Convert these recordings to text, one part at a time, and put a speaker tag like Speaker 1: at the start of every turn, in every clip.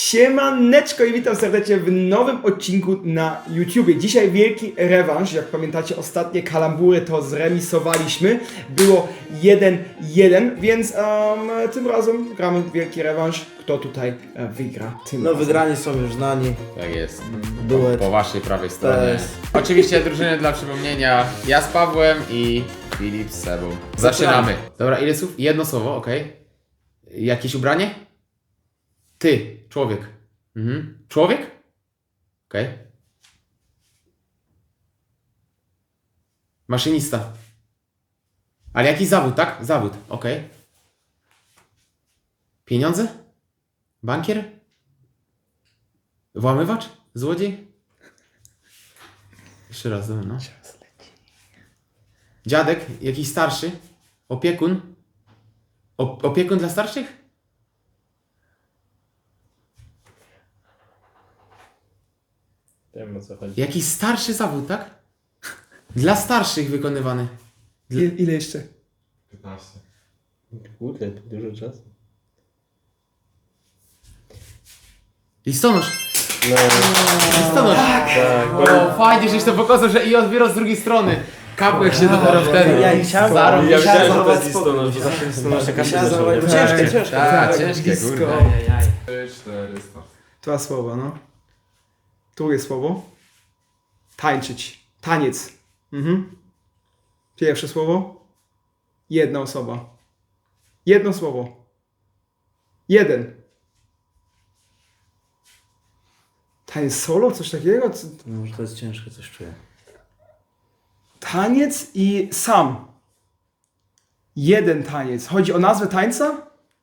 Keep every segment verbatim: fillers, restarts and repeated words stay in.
Speaker 1: Siemaneczko i witam serdecznie w nowym odcinku na YouTubie. Dzisiaj wielki rewanż. Jak pamiętacie, ostatnie kalambury to zremisowaliśmy. Było jeden jeden, więc um, tym razem gramy wielki rewanż. Kto tutaj e, wygra tym
Speaker 2: No
Speaker 1: razem.
Speaker 2: wygrani są już znani.
Speaker 3: Tak jest.
Speaker 2: Duet.
Speaker 3: Po, po waszej prawej stronie.
Speaker 2: jest.
Speaker 3: Oczywiście drużyny dla przypomnienia. Ja z Pawłem i Filip z Sebą. Zaczynamy. Dobra, ile słów? Jedno słowo, okej. Jakieś ubranie? Ty, człowiek. Mhm. Człowiek? Okej. Maszynista. Ale jakiś zawód, tak? Zawód, okej. Pieniądze? Bankier? Włamywacz? Złodziej? Jeszcze raz, dobra, no. Dziadek? Jakiś starszy? Opiekun? O, opiekun dla starszych?
Speaker 2: Wiem, o co chodzi.
Speaker 3: Jakiś starszy zawód, tak? Dla starszych wykonywany.
Speaker 1: Ile, ile jeszcze?
Speaker 4: piętnaście.
Speaker 2: Kurde, to dużo czasu.
Speaker 3: Listonosz!
Speaker 2: No,
Speaker 3: Listonosz!
Speaker 2: tak.
Speaker 3: O, fajnie, żeś to pokazał, że i odbiorą z drugiej strony. Kapłek się dopiero wtedy.
Speaker 2: Ja chciałem-
Speaker 3: Zarobił.
Speaker 2: ja
Speaker 3: Ja
Speaker 2: chciałem
Speaker 3: chciałem
Speaker 2: zachować listonosz, bo zawsze listonosz jakaś
Speaker 1: Chciałem zachować-
Speaker 2: ciężkie,
Speaker 1: Tak,
Speaker 2: ciężkie.
Speaker 3: Tak, ciężkie,
Speaker 1: blisko.
Speaker 3: kurde.
Speaker 4: trzy, cztery, start.
Speaker 1: Dwa słowa, no. Drugie słowo. Tańczyć. Taniec. Mhm. Pierwsze słowo. Jedna osoba. Jedno słowo. Jeden. Taniec solo? Coś takiego? Co-
Speaker 2: No, może to jest ciężkie, coś czuję.
Speaker 1: Taniec i sam. Jeden taniec. Chodzi o nazwę tańca?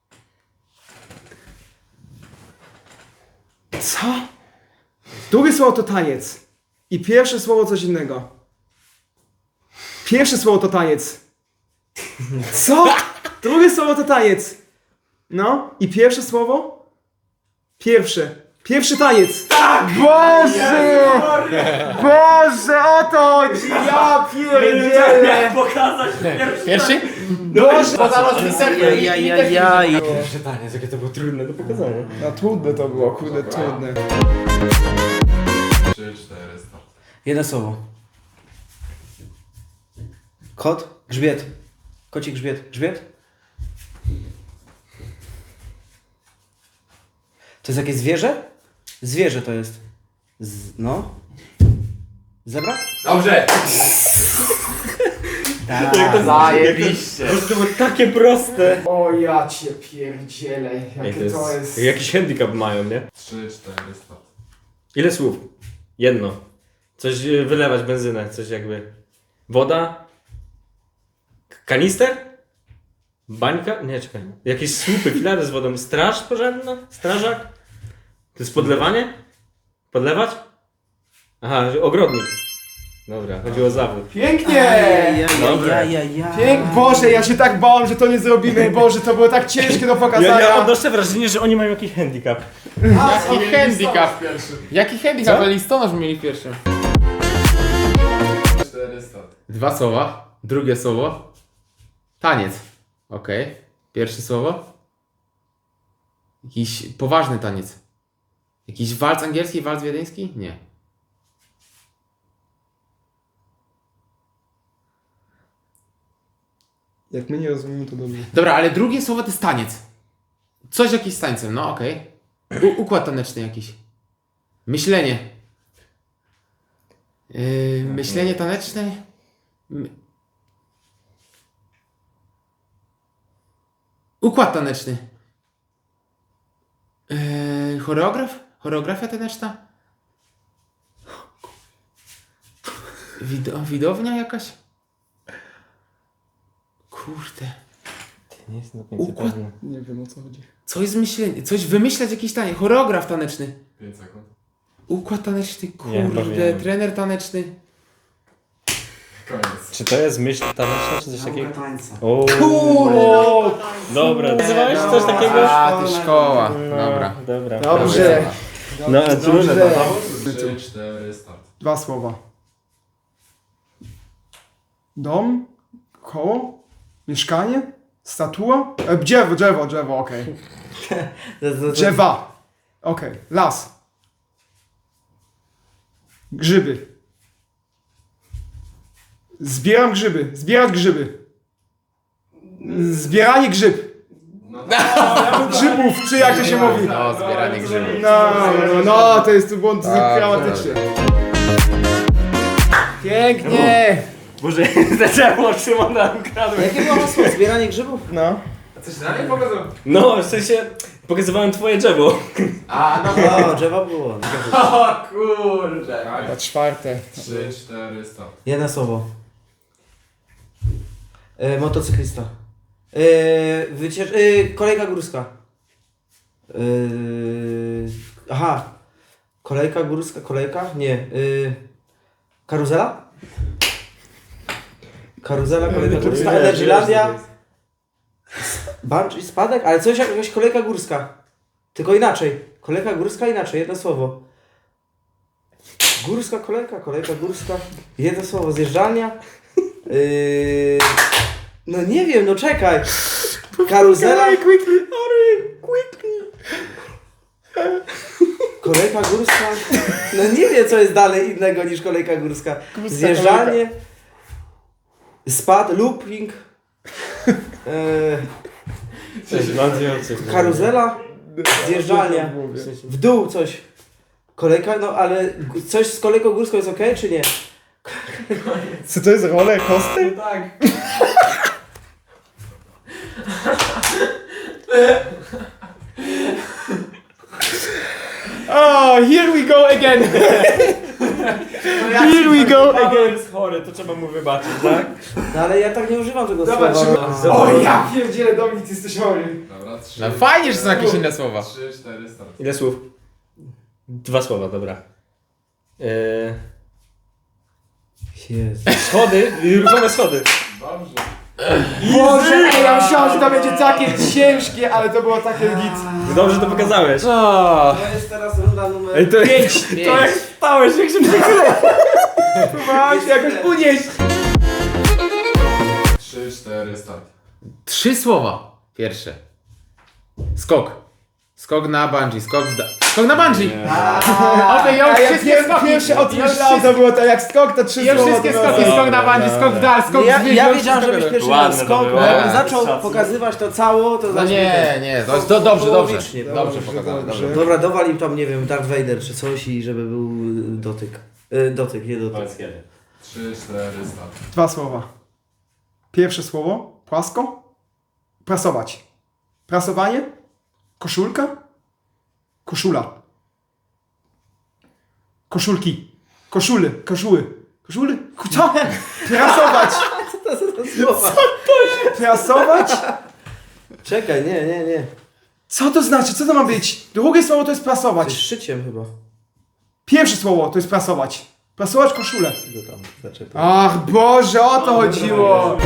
Speaker 1: Co? Drugie słowo to taniec. I pierwsze słowo coś innego. Pierwsze słowo to taniec. Co? Drugie słowo to taniec. No. I pierwsze słowo? Pierwsze. Pierwszy taniec. Tak! Boże! Boże, o to chodzi! Ja pierdzielę!
Speaker 3: Pierwszy?
Speaker 1: Boże!
Speaker 3: Poza
Speaker 2: Ajajajaj.
Speaker 4: Pytanie, jakie to było trudne do pokazania.
Speaker 1: No trudne to było, kurde, trudne.
Speaker 4: trzy, cztery, start.
Speaker 2: Jedno słowo. Kot, grzbiet. Kocik, grzbiet. Grzbiet? To jest jakieś zwierzę? Zwierzę to jest. Z, no. Zebra?
Speaker 3: Dobrze!
Speaker 2: Tak.
Speaker 3: Zajebiście!
Speaker 5: To było takie proste.
Speaker 1: O ja cię pierdzielę, jakie to jest...
Speaker 5: Jakiś handicap mają, nie?
Speaker 4: trzy, cztery, start.
Speaker 5: Ile słów? Jedno. Coś y, wylewać benzynę, coś jakby. Woda? K- Kanister? Bańka? Nie, czekaj. Jakieś słupy, filary z wodą. Straż pożarna? Strażak? To jest podlewanie? Podlewać? Aha, ogrodnik. Dobra, chodziło o zawód.
Speaker 1: Pięknie!
Speaker 5: Dobra.
Speaker 1: Pięk... Boże, ja się tak bałem, że to nie zrobimy. Boże, to było tak ciężkie do pokazania.
Speaker 5: Ja, ja odnoszę wrażenie, że oni mają jakiś handicap.
Speaker 3: Jaki handicap? Jaki handicap? Ale listonosz mieli pierwszy.
Speaker 4: cztery, start.
Speaker 3: Dwa słowa. Drugie słowo. Taniec. Okej. Pierwsze słowo. Jakiś poważny taniec. Jakiś walc angielski, walc wiedeński? Nie.
Speaker 1: Jak my nie rozumiemy, to dobrze.
Speaker 3: Dobra, ale drugie słowo to jest taniec. Coś jakiś z tańcem, no okej. U- Układ taneczny jakiś. Myślenie. Yy, myślenie taneczne? My... Układ taneczny. Yy, choreograf? Choreografia taneczna? Wido- widownia jakaś? Kurde.
Speaker 5: Nie jestem do
Speaker 3: końca Układ-
Speaker 5: pewny.
Speaker 1: Nie wiem, o co chodzi.
Speaker 3: Coś z myślenia, coś wymyślać jakiś taniec. Choreograf taneczny.
Speaker 4: pięć sekund.
Speaker 3: Układ taneczny,
Speaker 5: Nie, chyba
Speaker 3: kurde,
Speaker 5: wiem.
Speaker 3: trener taneczny.
Speaker 4: Koniec.
Speaker 5: Czy to jest myśl taneczna, czy coś takiego?
Speaker 2: tańca.
Speaker 5: O,
Speaker 3: Kurde!
Speaker 5: dobra. Nazywałeś coś takiego?
Speaker 3: A, ty szkoła.
Speaker 5: No,
Speaker 3: Dobra.
Speaker 5: Dobra.
Speaker 1: Dobrze.
Speaker 5: No, trudne
Speaker 1: Dobrze.
Speaker 5: to.
Speaker 4: trzy, cztery, start.
Speaker 1: Dwa słowa. Dom? Koło? Mieszkanie? Statua? E, drzewo, drzewo, drzewo, okej. Drzewa. Okej, las. Grzyby. Zbieram grzyby. Zbierać grzyby. Zbieranie grzyb. Grzybów, czy jak to się mówi?
Speaker 3: No, zbieranie grzybów.
Speaker 1: No, no, no, to jest tu błąd
Speaker 3: Tak,
Speaker 1: gramatyczny. Pięknie!
Speaker 5: Boże, zaczęło Szymona ukradłem.
Speaker 2: Jakie było hasło? Zbieranie grzybów?
Speaker 1: No.
Speaker 4: A coś na mnie pokazał?
Speaker 5: No, w sensie pokazywałem twoje drzewo.
Speaker 4: A, no
Speaker 2: O, drzewo było.
Speaker 4: o kurde.
Speaker 1: Na czwarte.
Speaker 4: Trzy, cztery, start.
Speaker 2: Jedno słowo. E, motocyklista. E, wyciecz... E, kolejka górska. E, aha. Kolejka górska, kolejka? Nie. E, karuzela? Karuzela, kolejka górska, Energylandia. Bungee, spadek? Ale coś jak jakaś kolejka górska. Tylko inaczej. Kolejka górska inaczej, jedno słowo. Górska kolejka, kolejka górska. Jedno słowo, zjeżdżalnia. Yy... No nie wiem, no czekaj. Karuzela.
Speaker 1: Quickly, hurry, quickly.
Speaker 2: Kolejka górska. No nie wiem, co jest dalej innego niż kolejka górska. Zjeżdżalnie. Spad, looping. Yy...
Speaker 5: Mam dwie opcje.
Speaker 2: Karuzela. Zjeżdżalnia. W dół coś. Kolejka, no ale coś z kolejką górską jest okej, czy nie?
Speaker 1: Co to jest roller coaster?
Speaker 4: Tak.
Speaker 1: Oh, here we go again. Here we go
Speaker 5: Paweł
Speaker 1: again.
Speaker 5: jest chory, to trzeba mu wybaczyć, tak?
Speaker 2: No ale ja tak nie używam tego
Speaker 1: Zobacz,
Speaker 2: słowa.
Speaker 1: Szymon. O ja pierdzielę, Dominik, ty jesteś chory.
Speaker 4: Dobra, trzy.
Speaker 3: No fajnie, że są jakieś inne słowa.
Speaker 4: Trzy, cztery, start.
Speaker 5: Ile słów? Dwa słowa, dobra. Eee,
Speaker 2: Jezu.
Speaker 5: schody, ruchome schody.
Speaker 4: Dobrze.
Speaker 1: Boże, ej, ja myślałem, że to będzie takie ciężkie, ale to było takie git.
Speaker 5: Dobrze to pokazałeś.
Speaker 2: To jest teraz runda numer...
Speaker 5: Ej, to
Speaker 1: Pięć.
Speaker 5: To jak stałeś, jak się przekryło.
Speaker 1: Próbowałem się jakoś unieść.
Speaker 4: Trzy, cztery, start.
Speaker 3: Trzy słowa. Pierwsze. Skok. Skok na bungee, skok w da... Skok na bungee! Okej, ja
Speaker 1: A
Speaker 3: już
Speaker 1: jak
Speaker 3: wszystkie
Speaker 1: pier-
Speaker 3: skoki.
Speaker 1: pierwsze o tym
Speaker 3: Ja już
Speaker 1: myślałem, to było to jak skok, to trzy
Speaker 3: Ja już
Speaker 1: słowa.
Speaker 3: wszystkie
Speaker 1: to
Speaker 3: skoki,
Speaker 1: było-
Speaker 3: skok na bungee, skok w dal, skok
Speaker 2: Ja,
Speaker 3: w
Speaker 2: ja,
Speaker 3: zwierzę,
Speaker 2: wiedziałem, że byś
Speaker 3: wszystko
Speaker 2: pierwszy
Speaker 5: Ładne
Speaker 2: raz
Speaker 5: to
Speaker 2: skok,
Speaker 5: było.
Speaker 2: bo jakbym
Speaker 3: Tak.
Speaker 2: zaczął
Speaker 5: Szacunek.
Speaker 2: pokazywać to cało, to
Speaker 3: No
Speaker 2: znaczy
Speaker 3: nie, nie, to jest do, dobrze, dobrze.
Speaker 2: Połowicznie,
Speaker 3: Dobrze
Speaker 1: dobrze,
Speaker 3: pokazane,
Speaker 1: dobrze.
Speaker 3: dobrze.
Speaker 2: Dobra, dowal im tam, nie wiem, Darth Vader czy coś i żeby był y, dotyk. Y, dotyk, nie dotyk.
Speaker 4: Trzy, cztery, start.
Speaker 1: Dwa słowa. Pierwsze słowo, płasko. Prasować. Prasowanie. Koszulka. Koszula. Koszulki. Koszuly. Koszuły. Koszuly? Co? Prasować.
Speaker 2: Słowa.
Speaker 1: Prasować?
Speaker 2: Czekaj, nie, nie, nie.
Speaker 1: Co to znaczy? Co to ma być? Drugie słowo to jest
Speaker 2: Coś
Speaker 1: prasować.
Speaker 2: szyciem chyba.
Speaker 1: Pierwsze słowo to jest prasować. Prasować koszulę.
Speaker 2: Go tam zaczekaj.
Speaker 1: Ach Boże, o to chodziło.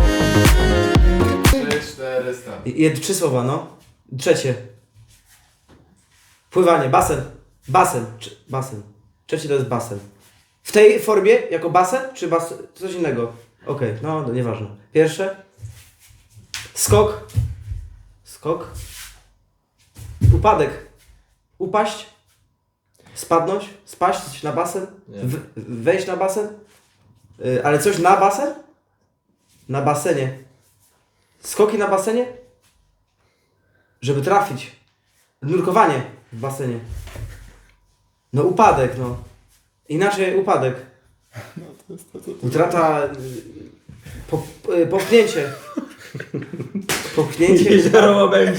Speaker 4: Trzy, cztery, start.
Speaker 2: I- Jed, trzy słowa, no. Trzecie. Pływanie, basen. Basen. Czy, basen. Trzecie to jest basen. W tej formie jako basen, czy basen? Coś innego. Okej, no, no nieważne. Pierwsze. Skok. Skok. Upadek. Upaść. Spadnąć. Spaść na basen. W, wejść na basen. Y, ale coś na basen? Na basenie. Skoki na basenie? Żeby trafić. Nurkowanie w basenie. No upadek, no. Inaczej upadek. Utrata... y, Po, y, popchnięcie. Popchnięcie.
Speaker 5: Jezioro będzie.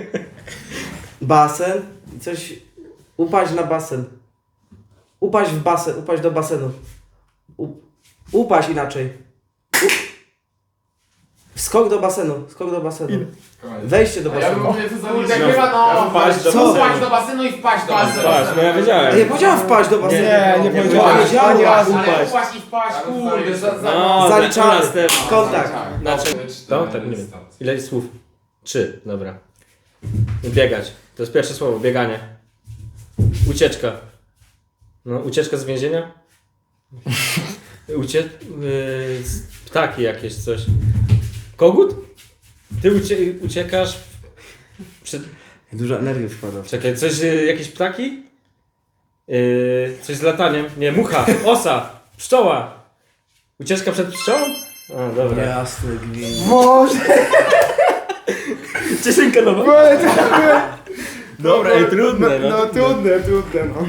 Speaker 2: Basen. I coś... Upaść na basen. Upaść w basen. Upaść do basenu. U, upaść inaczej. U, skok do basenu. Skok do basenu.
Speaker 4: Koniec.
Speaker 2: Wejście do
Speaker 4: A ja bym
Speaker 2: basenu.
Speaker 4: mówię, co za
Speaker 3: Kurde,
Speaker 4: liczba.
Speaker 3: chyba no.
Speaker 5: Wpaść do
Speaker 2: Co?
Speaker 5: basenu.
Speaker 3: Wpaść do basenu i wpaść do basenu.
Speaker 5: Patrz, no ja wiedziałem.
Speaker 2: Nie powiedziałem wpaść do basenu.
Speaker 1: Nie, nie
Speaker 2: Nie
Speaker 1: powiedziałem.
Speaker 2: powiedziałem.
Speaker 1: Ani razu.
Speaker 3: Ale
Speaker 5: Upaść.
Speaker 3: upaść i wpaść,
Speaker 4: Ale
Speaker 3: kurde, za, za...
Speaker 5: No,
Speaker 2: Zaliczamy.
Speaker 5: następny.
Speaker 2: Kontakt.
Speaker 5: Znaczy,
Speaker 4: Trzy,
Speaker 5: to?
Speaker 4: cztery,
Speaker 5: Tak, nie wiem.
Speaker 4: start.
Speaker 5: Ile słów? Trzy, dobra. Biegać. To jest pierwsze słowo, bieganie. Ucieczka. No, ucieczka z więzienia? Ucie... Yy, z- ptaki jakieś, coś. Kogut? Ty ucie... uciekasz przed...
Speaker 2: Dużo energii wkłada.
Speaker 5: Czekaj, coś, y, jakieś ptaki? Yy, coś z lataniem? Nie, mucha, osa, pszczoła. Ucieczka przed pszczołą? A, dobra.
Speaker 2: Jasny gwint.
Speaker 1: Boże!
Speaker 5: Cieszynka nowa. Dobra, ej, trudne,
Speaker 1: No,
Speaker 5: no.
Speaker 1: no trudne, trudne, no.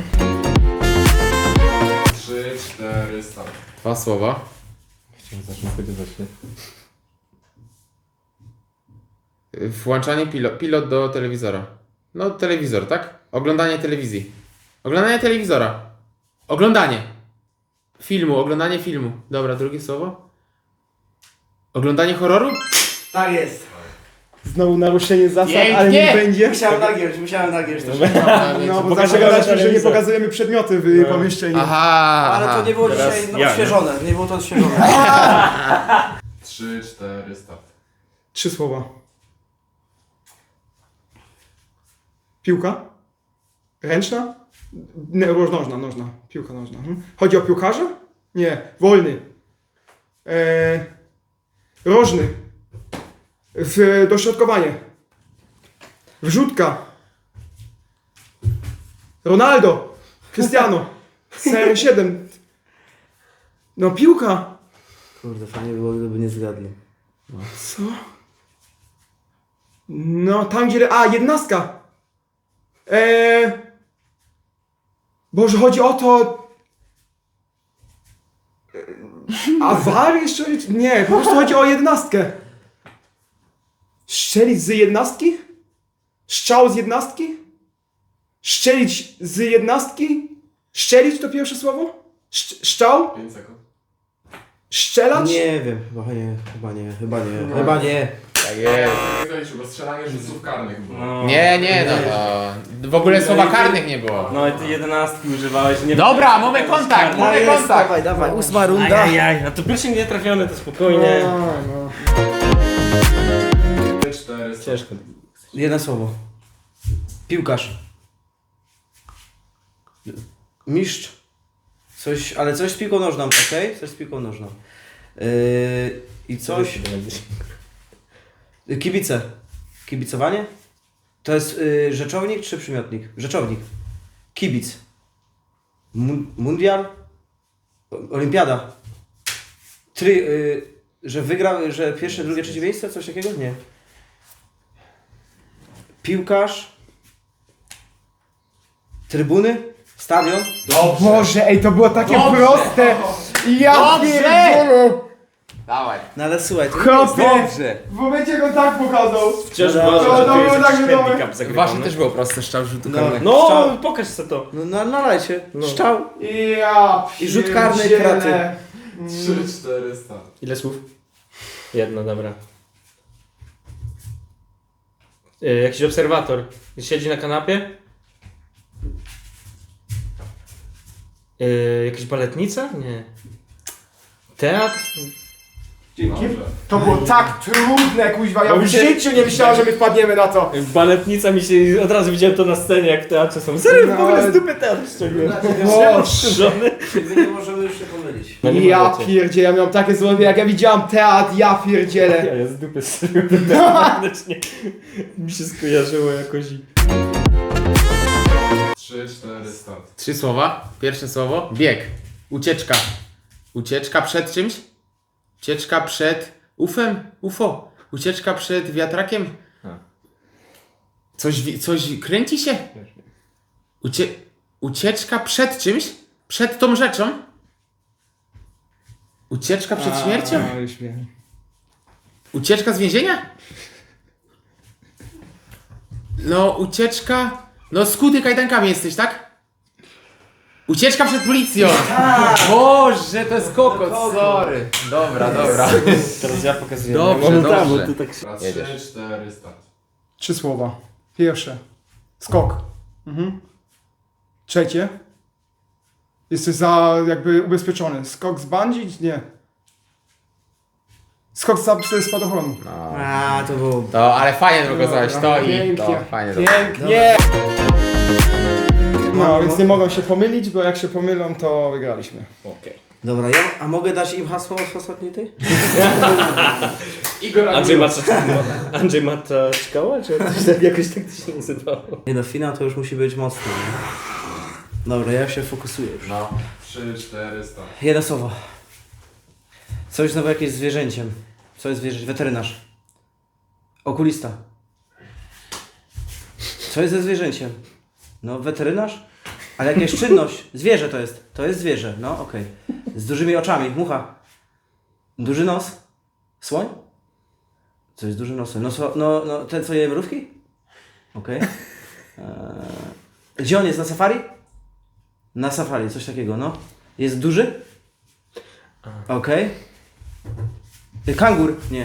Speaker 4: trzy, cztery, start.
Speaker 3: Dwa słowa.
Speaker 5: Chciałem zacząć spodziewać się.
Speaker 3: Włączanie pilot, pilot do telewizora. No, telewizor, tak? Oglądanie telewizji. Oglądanie telewizora. Oglądanie. Filmu, oglądanie filmu. Dobra, drugie słowo. Oglądanie horroru?
Speaker 2: Tak jest.
Speaker 1: Znowu naruszenie zasad,
Speaker 3: Pięknie!
Speaker 1: ale nie będzie.
Speaker 2: Musiałem nagiąć, musiałem nagiąć też.
Speaker 1: No, bo
Speaker 5: Pokażę
Speaker 1: zawsze
Speaker 5: na
Speaker 1: gadaliśmy, że nie
Speaker 5: telewizor.
Speaker 1: pokazujemy przedmioty w
Speaker 5: No.
Speaker 1: pomieszczeniu.
Speaker 3: Aha,
Speaker 2: Ale
Speaker 3: aha.
Speaker 2: to nie było
Speaker 5: Teraz
Speaker 2: dzisiaj no,
Speaker 5: ja, nie?
Speaker 2: odświeżone, nie było to odświeżone.
Speaker 4: trzy, cztery, start.
Speaker 1: Trzy słowa. Piłka? Ręczna? Nie, nożna, nożna. Piłka nożna. Mhm. Chodzi o piłkarza? Nie. Wolny. Eee, rożny. W, dośrodkowanie. Wrzutka. Ronaldo. Cristiano. C R siedem. No piłka.
Speaker 2: Kurde, fajnie by było, gdyby nie zgadli.
Speaker 1: Co? No, tam gdzie... A, jednostka! Eee... Boże, chodzi o to... Eee, A war jeszcze? Nie, po prostu chodzi o jednostkę. Strzelić z jednostki? Strzał z jednostki? Strzelić z jednostki? Strzelić to pierwsze słowo? Szcz- Strzał?
Speaker 4: pięć sekund.
Speaker 1: Strzelać?
Speaker 2: Nie wiem, chyba nie, chyba nie, chyba nie, chyba nie.
Speaker 3: Tak jest.
Speaker 4: Nie zaliczył, bo strzelanie rzutów karnych było.
Speaker 5: No.
Speaker 3: Nie, nie, no to... W ogóle słowa karnych nie było.
Speaker 5: No i ty jedenastki używałeś. Nie
Speaker 3: Dobra, mamy kontakt,
Speaker 2: No
Speaker 3: mamy
Speaker 2: jest,
Speaker 3: kontakt.
Speaker 2: dawaj, dawaj, ósma runda.
Speaker 5: Ajajaj, no to pierwszy nie trafiony, to spokojnie.
Speaker 1: No, no.
Speaker 4: trzy, cztery, start.
Speaker 5: Ciężko.
Speaker 2: Jedno słowo. Piłkarz. Mistrz. Coś, ale coś z piłką nożną, okej? Coś z piłką nożną. Yy, I coś... Kibice. Kibicowanie? To jest yy, rzeczownik czy przymiotnik? Rzeczownik. Kibic. Mun- mundial? O- Olimpiada. Try, yy, że wygrał, że pierwsze, drugie, trzecie miejsce? Coś takiego? Nie. Piłkarz. Trybuny. Stadion.
Speaker 1: O Boże, ej, to było takie
Speaker 3: Dobrze.
Speaker 1: proste! Ja
Speaker 3: Dobrze.
Speaker 1: pierdolę!
Speaker 3: Dawaj.
Speaker 2: No ale słuchaj, to
Speaker 1: Chłopie!
Speaker 5: Dobrze.
Speaker 1: W momencie jak on tak pokazał.
Speaker 5: Wciąż
Speaker 2: No,
Speaker 5: uważam,
Speaker 2: to-
Speaker 5: że
Speaker 1: to
Speaker 5: tu
Speaker 1: było
Speaker 5: jest
Speaker 1: tak
Speaker 5: jakiś
Speaker 1: wiadomo.
Speaker 5: handicap zagrywany.
Speaker 3: Wasze też było proste, strzał rzutu
Speaker 2: No.
Speaker 3: karnego.
Speaker 5: No,
Speaker 2: Strzał.
Speaker 5: pokaż se to.
Speaker 2: No, no nalajcie.
Speaker 5: No.
Speaker 2: Strzał.
Speaker 1: Ja
Speaker 2: I rzut karny,
Speaker 1: pierdzielę.
Speaker 2: kraty.
Speaker 4: trzy, cztery, start.
Speaker 5: Ile słów? Jedno, dobra. Yy, jakiś obserwator. Siedzi na kanapie. Yy, jakaś baletnica? Nie. Teatr?
Speaker 1: Dzięki.
Speaker 4: Dobrze.
Speaker 1: To było tak trudne, kuźwa. Ja
Speaker 5: Bo
Speaker 1: w
Speaker 5: mi się-
Speaker 1: życiu nie myślałem, że my wpadniemy na to.
Speaker 5: Baletnica mi się... Od razu widziałem to na scenie, jak w teatrze są. Serio,
Speaker 1: No,
Speaker 5: w ogóle
Speaker 1: ale-
Speaker 5: z dupy teatr ściągłem.
Speaker 1: Boże.
Speaker 2: My nie możemy już się pomylić.
Speaker 5: No nie
Speaker 1: Ja
Speaker 5: możecie.
Speaker 1: pierdzielę, ja miałem takie złowie, jak ja widziałam teatr, ja
Speaker 5: Ja,
Speaker 1: pierdzielę.
Speaker 5: ja z dupy strzeliłem ten teatr. Wewnętrznie mi się skojarzyło jakoś i...
Speaker 4: trzy, cztery, start.
Speaker 3: Trzy słowa. Pierwsze słowo. Bieg. Ucieczka. Ucieczka przed czymś? Ucieczka przed ufem? U F O. Ucieczka przed wiatrakiem?
Speaker 5: A.
Speaker 3: Coś, wi- coś kręci się? Ucie... Ucieczka przed czymś? Przed tą rzeczą? Ucieczka przed śmiercią?
Speaker 1: A, już wiem.
Speaker 3: Ucieczka z więzienia? No, ucieczka... No, skuty kajdankami jesteś, tak? Ucieczka przed policją! Boże, to jest kokot, sorry. Dobra, dobra.
Speaker 5: Teraz ja pokazuję.
Speaker 3: Dobrze,
Speaker 5: Ja mam tam,
Speaker 3: dobrze.
Speaker 5: bo ty tak...
Speaker 4: Raz,
Speaker 3: Jedziesz.
Speaker 4: trzy, cztery, start.
Speaker 1: Trzy słowa. Pierwsze. Skok. Mhm. Trzecie. Jesteś za jakby ubezpieczony. Skok z bungee? Nie. Skok z ze spadochronu.
Speaker 2: A, to było...
Speaker 3: To, ale fajnie pokazałeś to i
Speaker 1: Pięknie.
Speaker 3: to, fajnie to.
Speaker 1: Pięknie. No, więc nie mogą się pomylić, bo jak się pomylą, to wygraliśmy.
Speaker 5: Okej.
Speaker 2: Dobra, ja, a mogę dać im hasło z ostatniej tej?
Speaker 4: Igor
Speaker 5: Andrzej
Speaker 4: Agura.
Speaker 5: Mata... Andrzej Mata Czkała? Czy coś tak, jakoś tak to się nazywało?
Speaker 2: Nie no, finał to już musi być mocny, nie? Dobra, ja się fokusuję już.
Speaker 3: No.
Speaker 4: trzy, cztery, start.
Speaker 2: Jedno słowo. Coś znowu jakieś zwierzęciem. Co jest zwierzę? Weterynarz. Okulista. Co jest ze zwierzęciem? No, weterynarz? Ale jakaś czynność. Zwierzę to jest. To jest zwierzę. No, okej. Z dużymi oczami. Mucha. Duży nos. Słoń? Co jest duży nosem? No, so, no, no ten co je mrówki? Okej. Eee, Gdzie on jest? Na safari? Na safari, coś takiego, no. Jest duży? Okej. Y, Kangur? Nie.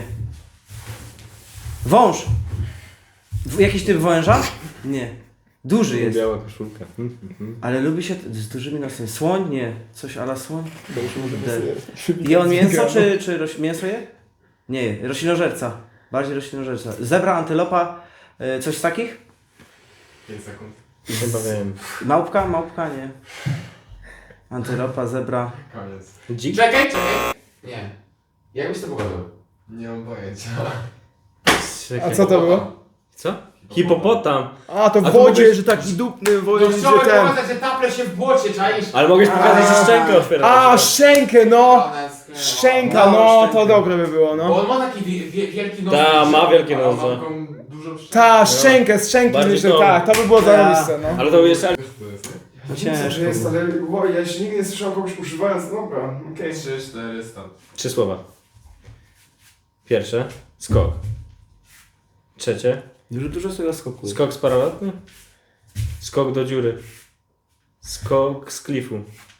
Speaker 2: Wąż? W, jakiś typ węża? Nie. Duży jest.
Speaker 5: Biała koszulka. Mhm, mhm.
Speaker 2: Ale lubi się t- z dużymi nosami. Słoń? Nie. Coś ala słoń? De. Je on mięso, czy, czy roś... mięso je? Nie je. Roślinożerca. Bardziej roślinożerca. Zebra, antylopa, y, coś z takich?
Speaker 4: pięć sekund.
Speaker 5: Chyba wiem.
Speaker 2: Małpka? Małpka? Nie. Antylopa, zebra.
Speaker 4: Koniec.
Speaker 5: Dzik?
Speaker 3: Czekaj, czekaj. Nie. Jak byś to pokazał?
Speaker 4: Nie mam pojęcia.
Speaker 1: A co to było?
Speaker 5: Co? Hipopotam.
Speaker 1: A, to w
Speaker 5: A to
Speaker 1: wodzie,
Speaker 5: mogłeś-
Speaker 1: że taki dupny, w
Speaker 3: No
Speaker 1: wodzie, że
Speaker 3: chciałem
Speaker 1: ten...
Speaker 3: pokazać, że taple się w błocie, czaisz?
Speaker 5: Ale mogłeś pokazać, że szczękę otwierasz.
Speaker 1: A, szczękę, no!
Speaker 3: Ona jest sklejona.
Speaker 1: Szczęka,
Speaker 2: No,
Speaker 1: no,
Speaker 2: szczękę.
Speaker 1: to dobre by było,
Speaker 3: Bo
Speaker 1: no.
Speaker 3: on ma taki wie, wie, wielki nos.
Speaker 5: Ta, ma wielkie
Speaker 4: Ale mam
Speaker 5: noże.
Speaker 4: taką dużą szczękę.
Speaker 1: Ta, szczękę, z szczęki
Speaker 5: Bardziej
Speaker 1: myślę,
Speaker 5: to-
Speaker 1: tak, to by było
Speaker 2: Ta.
Speaker 1: zarobiste, no.
Speaker 5: Ale to jeszcze...
Speaker 4: Wiesz, co to jest, nie?
Speaker 2: No
Speaker 1: Ciężko
Speaker 2: ciężko.
Speaker 1: jest,
Speaker 2: było.
Speaker 1: ale wow, ja jeszcze nigdy nie słyszałem kogoś używając, dobra, okej.
Speaker 4: trzy, cztery, start.
Speaker 5: Trzy słowa. Pierwsze. Skok. Trzecie.
Speaker 2: Dużo, dużo z tego skoku.
Speaker 5: Skok z paralotny. Skok do dziury. Skok z klifu.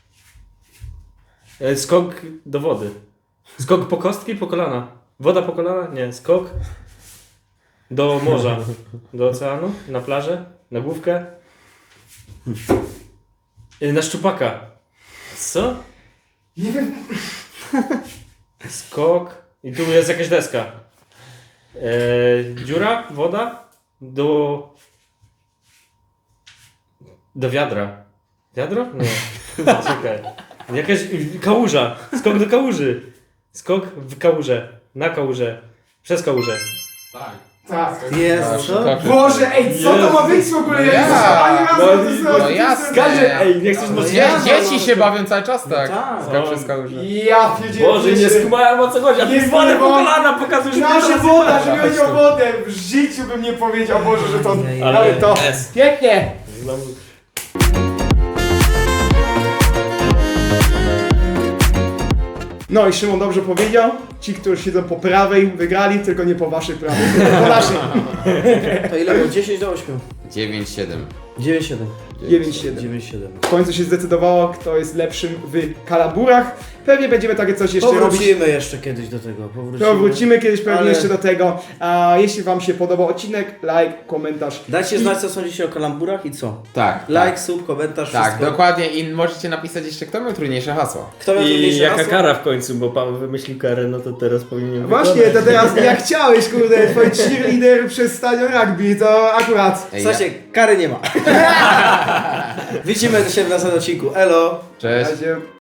Speaker 5: E, Skok do wody. Skok po kostki, po kolana. Woda po kolana? Nie. Skok do morza. Do oceanu. Na plażę. Na główkę. E, Na szczupaka. Co?
Speaker 1: Nie wiem,
Speaker 5: Skok. I tu jest jakaś deska. E, dziura, woda do. Do wiadra. Wiadro? Nie. Czekaj. Jakaś kałuża. Skok do kałuży. Skok w kałuże. Na kałużę. Przez kałużę.
Speaker 4: Tak.
Speaker 1: tak.
Speaker 2: Jest, co?
Speaker 1: Boże, ej, co to ma być w ogóle? Ja nie
Speaker 3: Ja.
Speaker 1: słyszałem ani razu
Speaker 5: No,
Speaker 1: o tym
Speaker 3: no
Speaker 1: słyszałem.
Speaker 3: jasne.
Speaker 5: Każdy, ej, nie chcesz
Speaker 3: No,
Speaker 5: mocniej.
Speaker 3: dzie-
Speaker 2: no,
Speaker 3: dzieci
Speaker 2: no,
Speaker 3: się
Speaker 2: to-
Speaker 3: bawią cały czas tak.
Speaker 2: tak.
Speaker 3: Skok przez kałużę.
Speaker 1: Ja pierdzielę.
Speaker 5: Boże, nie skumałem o co chodzi. A ty
Speaker 1: Jest
Speaker 5: wodę po
Speaker 1: woda.
Speaker 5: kolana pokazujesz.
Speaker 1: Nasza
Speaker 5: mi
Speaker 1: woda,
Speaker 5: teraz
Speaker 1: że chodzi o wodę. W życiu bym nie powiedział, Boże, że to...
Speaker 2: Ej,
Speaker 1: Ale
Speaker 5: ale-
Speaker 1: to...
Speaker 5: jest.
Speaker 1: Pięknie.
Speaker 5: Znowu.
Speaker 1: No i Szymon dobrze powiedział. Ci, którzy siedzą po prawej, wygrali, tylko nie po waszej prawej, tylko po naszej.
Speaker 2: To ile było? dziesięć do ośmiu.
Speaker 3: dziewięć siedem.
Speaker 2: dziewięć siedem.
Speaker 1: dziewięć siedem.
Speaker 2: dziewięć siedem.
Speaker 1: W końcu się zdecydowało, kto jest lepszym w kalaburach. Pewnie będziemy takie coś jeszcze robić.
Speaker 2: Powrócimy jeszcze kiedyś do tego. Powrócimy.
Speaker 1: To wrócimy kiedyś pewnie
Speaker 2: Ale-
Speaker 1: jeszcze do tego. A jeśli wam się podobał odcinek, like, komentarz.
Speaker 2: Dajcie
Speaker 1: I-
Speaker 2: znać, co sądzicie o kalamburach i co.
Speaker 3: Tak.
Speaker 2: Like, sub, komentarz,
Speaker 3: Tak,
Speaker 2: wszystko.
Speaker 3: dokładnie i możecie napisać jeszcze kto miał trudniejsze hasło.
Speaker 2: Kto miał
Speaker 5: I
Speaker 2: trudniejsze
Speaker 5: jaka
Speaker 2: hasło?
Speaker 5: kara w końcu, bo Paweł wymyślił karę, no to teraz powinien
Speaker 1: Właśnie, to teraz jak chciałeś, kurde, twój cheerleader przez stadion rugby, to akurat.
Speaker 3: Ej,
Speaker 2: Słuchajcie, kary nie ma. Widzimy się w następnym odcinku. Elo!
Speaker 3: Cześć.
Speaker 1: Razie-